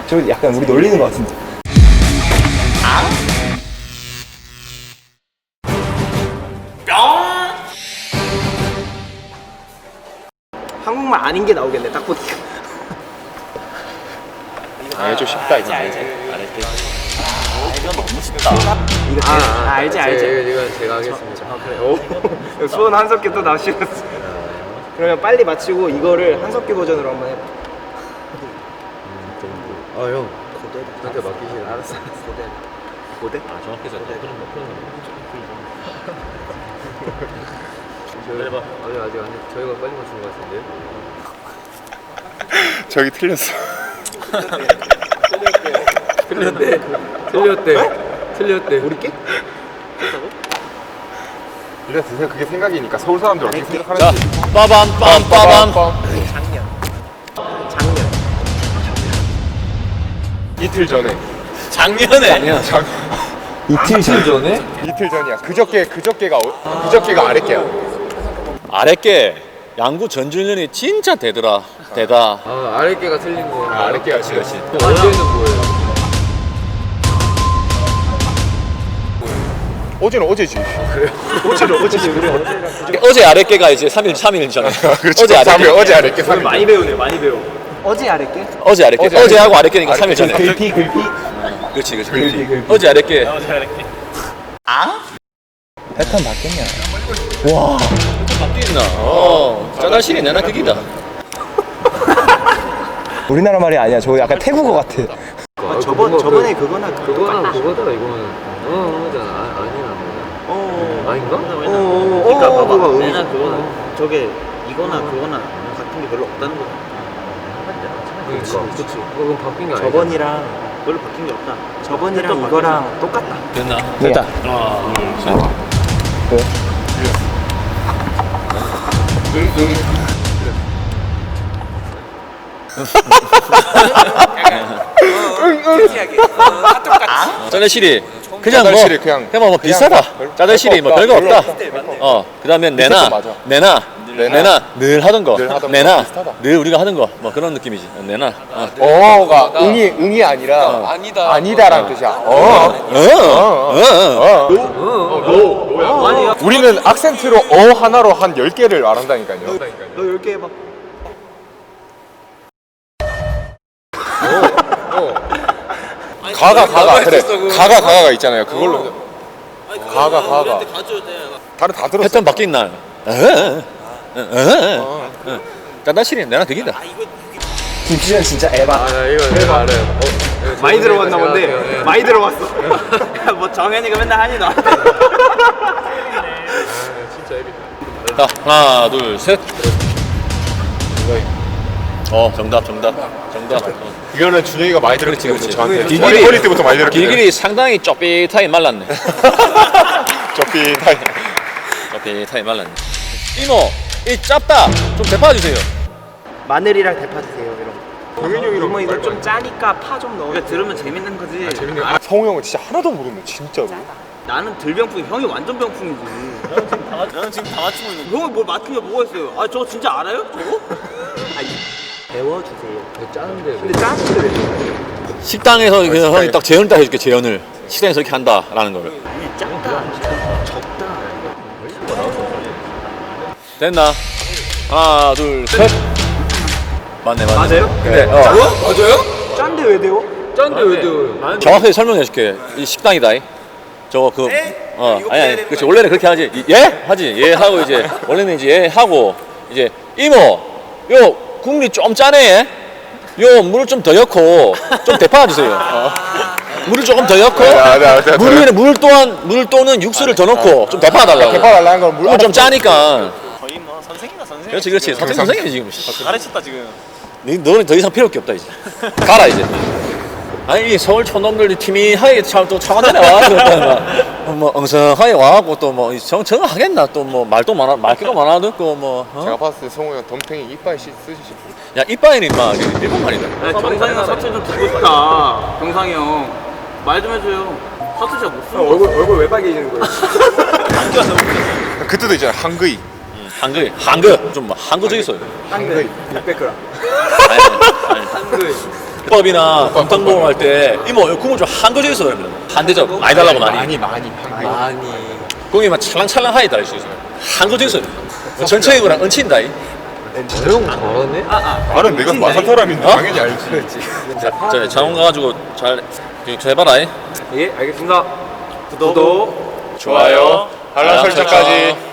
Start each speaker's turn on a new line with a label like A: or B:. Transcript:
A: 저 약간 우리 놀리는 것 같은데. 한국말 아닌 게 나오겠네, 딱 보니까.
B: 아, 좀 쉽다 이거.
C: 알지. 이거 너무 쉽다.
A: 이거 알지.
B: 이건 제가 하겠습니다.
A: 그래. 오. 수원 한석규 또 나오시겠어. 그러면 빨리 마치고 이거를 한석규 버전으로 한번 해봐.
B: 아 형.
A: 고대.
B: 저한테 맡기시라.
A: 알았어. 고대.
C: 아 정확히 해서 그런 거.
B: 해봐. 아니 아직 안 해. 저희가 빨리 맞춘 것 같은데.
D: 저기 틀렸어.
B: 틀렸대.
A: 우리께?
D: 일단 드세요. 그게 생각이니까 서울 사람들 어떻게
C: 자,
D: 생각하는지.
C: 빠밤 빰빠밤.
A: 작년.
D: 이틀 전에.
C: 작년에.
A: 이틀 전에?
D: 이틀 전이야. 그저께가 아랫게야.
C: 아랫게 양구 전준현이 진짜 대더라. 대다.
B: 아 아랫개가 틀린 거.
D: 아랫게가 지금.
B: 어제는 뭐예요?
D: 어제는 어제지.
A: 어제지.
C: 어제 아랫게가 이제 3일 전에.
D: 그렇지.
C: 어제 아랫게.
D: 어제 아랫게 3일.
A: 많이 배우네, 많이 배워. 어제 아랫게?
C: 어제 아랫게.
D: 어제
C: 어제하고 아랫게니까 3일 전에.
A: 글피.
C: 그렇지. 어제 아랫게.
A: 패턴 바뀌었냐?
C: 바뀌었나? 짜다실이 내나 그기다.
A: 우리나라 말이 아니야. 저거 약간 태국어 같아. 저번에 그거나
B: 그거랑 그거더라 이거는. 잖아. 아니나. 아닌가?
A: 그러니까 봐봐.
E: 내나 그거나 저게 이거나 그거나 같은 게 별로 없다는 거.
B: 그치. 그건 바뀐 게 아니야.
A: 저번이랑
E: 별로 바뀐 게 없다.
A: 저번이랑 이거랑 똑같다.
C: 됐나?
A: 됐다.
C: 하나, 둘, 셋. 짜다실이 그냥 뭐
D: 짜다실이 그냥
C: 비슷하다. 짜다실이 뭐 별거 없다. 그다음에
D: 비슷한 거 맞아.
C: 내나 늘 하던 거.
D: 늘 하던 거
C: 내나
D: 비슷하다.
C: 늘 우리가 하던 거 뭐 그런 느낌이지. 내나.
D: 어가 응이 아니라 아니다라는 뜻이야. 우리는 악센트로 하나로 한 10개를 말한다니까요.
A: 너 10개 해봐.
D: 가가 그래. 가가 있잖아요. 그걸로 가가 다른 다 들었어.
C: 패턴 바뀐 날. 짜다실이 내나 그긴다.
A: 김치전 진짜 에바.
B: 아 이거 내가 알아요.
A: 많이 들어봤나 본데. 많이 들어봤어.
E: 뭐 정현이가 맨날 하니 너.
B: 진짜 애비다.
C: 자, 하나, 둘, 셋. 정답.
D: 이거는 준영이가 많이 들었지.
C: 그렇지.
D: 저한테
C: 길길이-
D: 어릴 때부터 많이 들었기 때문에.
C: 길길이 상당히 쪼삐타이 말랐네.
D: 저피 타임.
C: 쪼삐타이 말랐네. 이모, 이 짭다. 좀 대파주세요.
A: 마늘이랑 대파 드세요, 이런 거.
D: 동현이 형이랑
A: 이모 이거 좀 짜니까 파 좀 넣어.
E: 그러니까 들으면 재밌는 거지.
D: 성우 형은 진짜 하나도 모르네 진짜로.
E: 나는 들병풍, 형이 완전 병풍이지. 나는 지금 다 맞추고 있는 거. 형이 뭘 맞추냐 뭐가 있어요? 아 저거 진짜 알아요? 저거?
A: 배워주세요.
B: 짜는데.
A: 근데 짜는데 왜 좋아해?
C: 식당에서 그냥 형이 딱 재현을 딱 해줄게, 재현을. 식당에서 이렇게 한다라는 거를.
E: 작다, 적다.
C: 됐나? 하나, 둘, 셋. 맞네.
A: 맞아요?
C: 근데,
A: 짠데 왜 데워?
B: 짠데 왜 돼요?
C: 정확하게 설명해줄게. 이 식당이다. 저거 아니 그렇지. 원래는 그렇게 하지. 예? 하지. 예 하고 이제 원래는 이제 예 하고 이제 이모 요 국물이 좀 짜네. 요 물을 좀 더 넣고 좀 대파 주세요. 물을 조금 더 넣고
D: 네.
C: 물 위에 물 또는 육수를 더 넣고 좀 대파 달라고.
D: 대파 달라는 건
C: 물 좀 짜니까.
E: 거의 뭐 선생이다 선생.
C: 그렇지. 선생이지 지금.
E: 가르쳤다 지금.
C: 너는 더 이상 필요 없다 이제. 가라 이제. 아니 서울 촌놈들 팀이 하게 또 차관단에 와가지고 뭐 엉성하게 와갖고 또 뭐 정하겠나 또 뭐 말도 말귀도 많아 듣고 뭐
D: 제가 봤을 때 성우 형 덤탱이 이빨 쓰시실 분.
C: 야 이빠이는 임마 일본말이다.
E: 경상이가 사투리 좀 듣고 싶다. 경상이 형. 말 좀 해줘요. 사투리 잘 못 쓰는 거.
A: 얼굴 왜 빨개지는 거야?
D: 그때도 있잖아 한그이.
C: 한글 좀 한국적 있어요.
A: 한글 600g.
C: 아니.
A: 한글.
C: 국밥이나 곰탕 할 때 이모 이거 국물 좀 한거져 있어 그러면 한 대접 많이 달라고 많이
B: 많이.
C: 국이 막 찰랑찰랑하게 달릴 수 있어 한거져 있어 전체의 거랑 얹힌다 이.
B: 형 잘하네?
D: 나는 내가 마산 사람인데
C: 어?
D: 당연히 알지.
C: 자 장원 가가지고 잘 해봐라 이.
A: 예, 알겠습니다. 구독.
D: 좋아요. 알람 설정까지.